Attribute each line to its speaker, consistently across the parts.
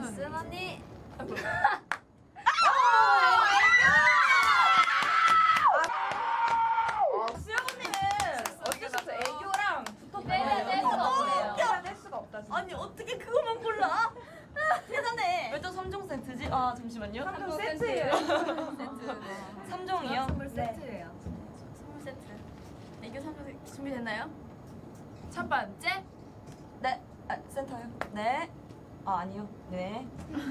Speaker 1: 쓴 언니.
Speaker 2: 뗄 수가 없다. 아니 어떻게 그것만 골라? 대단해.
Speaker 3: 왜 또 3종 세트지? 아 잠시만요.
Speaker 2: 3종 세트예요.
Speaker 3: 3종이요?
Speaker 1: 선물 세트예요.
Speaker 2: 선물 세트. 애교 선물 준비됐나요? 첫 번째.
Speaker 3: 네. 아, 센터요. 네. 아 아니요. 네.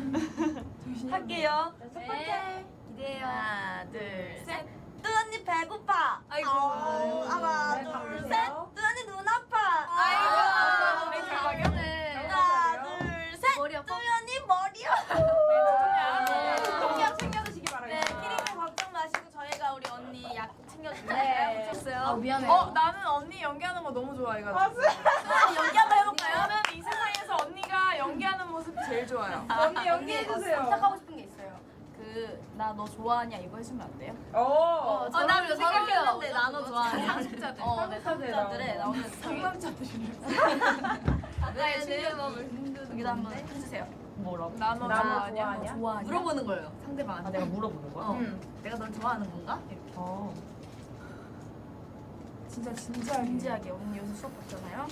Speaker 3: 할게요.
Speaker 2: 첫 번째.
Speaker 1: 기대해요.
Speaker 2: 하나, 둘, 셋.
Speaker 3: 뚜 언니 배고파.
Speaker 2: 아이고.
Speaker 3: 하나 둘 셋. 뚜 언니 눈 아파.
Speaker 2: 아이고. 우리 결과요?
Speaker 3: 하나 둘 셋.
Speaker 1: 머리 아파?
Speaker 3: 뚜 언니 머리 아파.
Speaker 2: 챙겨 챙겨주시기 바랍니다.
Speaker 3: 네, 키링도 걱정 마시고 저희가 우리 언니 약 챙겨줄게요.
Speaker 2: 네.
Speaker 1: 아 미안해요.
Speaker 2: 나는 언니 연기하는 거 너무 좋아해가지고.
Speaker 3: 연기 한번 해볼까요?
Speaker 2: 저는 이 세상에서 언니가 연기하는 모습이 제일 좋아요.
Speaker 1: 언니 연기해주세요.
Speaker 2: 부탁하고 싶은 게 있어요. 나 너 좋아하냐 이거 해주면 안 돼요?
Speaker 3: 나 이거 생각했는데 나너 좋아하냐?
Speaker 2: 상식자들.
Speaker 3: 네, 상식자들에 나오는
Speaker 2: 상남자들이래. 여기다 한번 해주세요.
Speaker 3: 뭐라고?
Speaker 2: 나 너 좋아하냐? 너 좋아하냐?
Speaker 1: 물어보는 거예요.
Speaker 2: 상대방한테.
Speaker 3: 아 내가 물어보는 거야?
Speaker 2: 내가 널 좋아하는 건가? 이렇게.
Speaker 1: 진짜 진지하게.
Speaker 2: 진지하게 언니 요새 수업 받잖아요.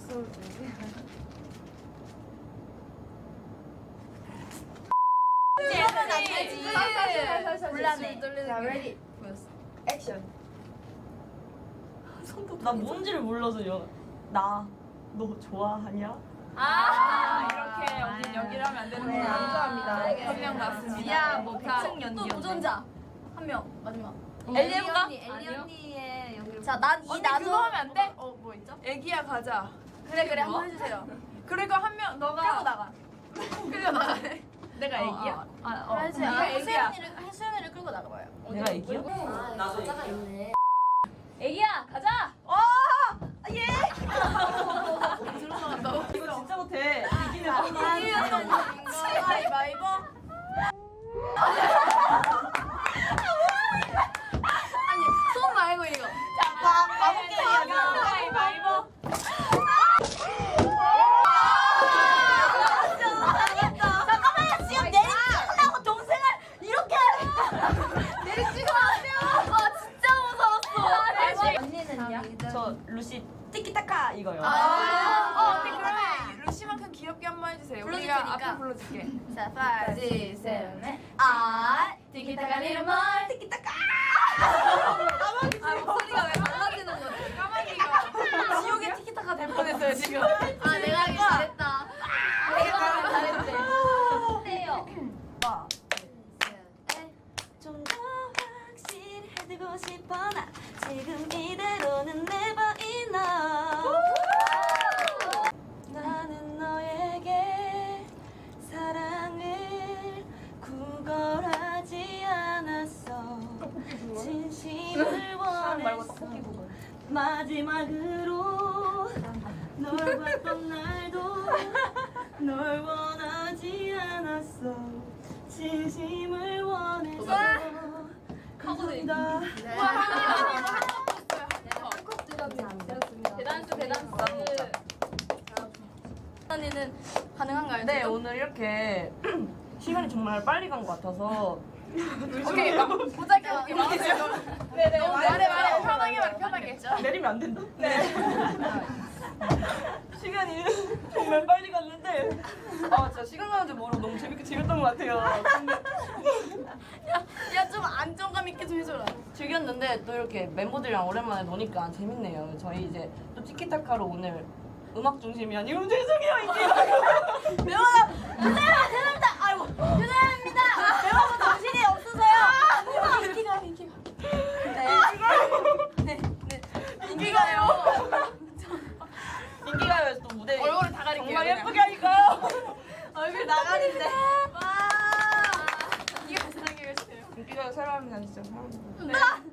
Speaker 3: 이러면 안 되지.
Speaker 1: 곤란해.
Speaker 2: 자, ready.
Speaker 1: 액션.
Speaker 3: 나 뭔지를 몰라서요. 나 너 좋아하냐?
Speaker 2: 이렇게 언니 연기를 하면 안 되는구나.
Speaker 1: 감사합니다.
Speaker 2: 한명 났습니다.
Speaker 1: 지아, 뭐
Speaker 2: 자,
Speaker 1: 백승 연기.
Speaker 2: 또 도전자. 한 명 마지막.
Speaker 3: 엘리 해볼까?
Speaker 1: 엘리 언니의 연기를.
Speaker 3: 자, 난 이
Speaker 2: 언니
Speaker 3: 나도
Speaker 2: 그거 하면 안 돼? 뭐 있죠? 애기야 가자. 그래 한번 해주세요. 그리고 한 명 너가 끌고 나가. 끌려 나가네. 내가 애기야?
Speaker 3: 해주세요.
Speaker 2: 네가 애기야.
Speaker 3: 혜수연이를 끌고 나가봐요.
Speaker 4: 내가 애기야?
Speaker 1: 나도 있네.
Speaker 2: 애기야 가자.
Speaker 3: 예!
Speaker 4: 이거 진짜 못해. 이기는
Speaker 2: 가위바위보. 아니 손 말고 이거. 자
Speaker 3: 가볼게요.
Speaker 2: 가위바위보.
Speaker 3: 잠깐만요. 지금 내리치려고 동생을 이렇게 내리치고 하세요. 와 진짜 무서웠어.
Speaker 1: 언니는요?
Speaker 4: 저 루시 티키타카 이거요.
Speaker 2: 언니 그러면 루시만큼 귀엽게 한번 해주세요. 우리가
Speaker 3: 불러줄 테니까.
Speaker 2: 앞에 불러줄게.
Speaker 3: 자, 5, 6, 7, 8.
Speaker 2: 아 티키타카 리르멀.
Speaker 3: 티키타카.
Speaker 1: 목소리가 왜 달라지는 거지?
Speaker 2: 까마귀가 지옥의 티키타카 될 뻔했어요 지금.
Speaker 1: 내가 하기 잘했다. 내가 하기 잘했대. 해요.
Speaker 3: 좀 더 확실해지고 싶어 나 지금 이대로는 never enough. 나는 너에게 사랑을 구걸하지 않았어. 진심을 원했어. 마지막으로 널 봤던 날도 널 원하지 않았어. 진심을 원했어. 감사합니다.
Speaker 2: 대단수. 언니는 가능한가요?
Speaker 4: 네 오늘 이렇게 시간이 정말 빨리 간 것 같아서
Speaker 2: 오케이 보자기 할게요. 네네 말해 편하게.
Speaker 4: 내리면 안 된다. 네. 시간이 정말 빨리 갔는데 진짜 시간 가는 줄 모르고 너무 재밌게 즐겼던 것 같아요. 근데
Speaker 2: 야 좀 안정감 있게 좀 해줘라.
Speaker 4: 즐겼는데 또 이렇게 멤버들이랑 오랜만에 노니까 재밌네요. 저희 이제 또 티키타카로 오늘 음악 중심이 아니고 죄송해요 이게
Speaker 3: 죄송합니다. 아이고 죄송합니다. 여러분 정신이 없으세요. 인기가.
Speaker 2: 인기가요.
Speaker 4: 인기가요에서 또 무대
Speaker 2: 얼굴을 다 가릴게요.
Speaker 4: 정말
Speaker 2: 그냥.
Speaker 4: 예쁘게 하니까요.
Speaker 3: 얼굴 나가는데.
Speaker 2: 이게 사랑해 주세요.
Speaker 4: 인기가요 사랑합니다 진짜.
Speaker 2: 네.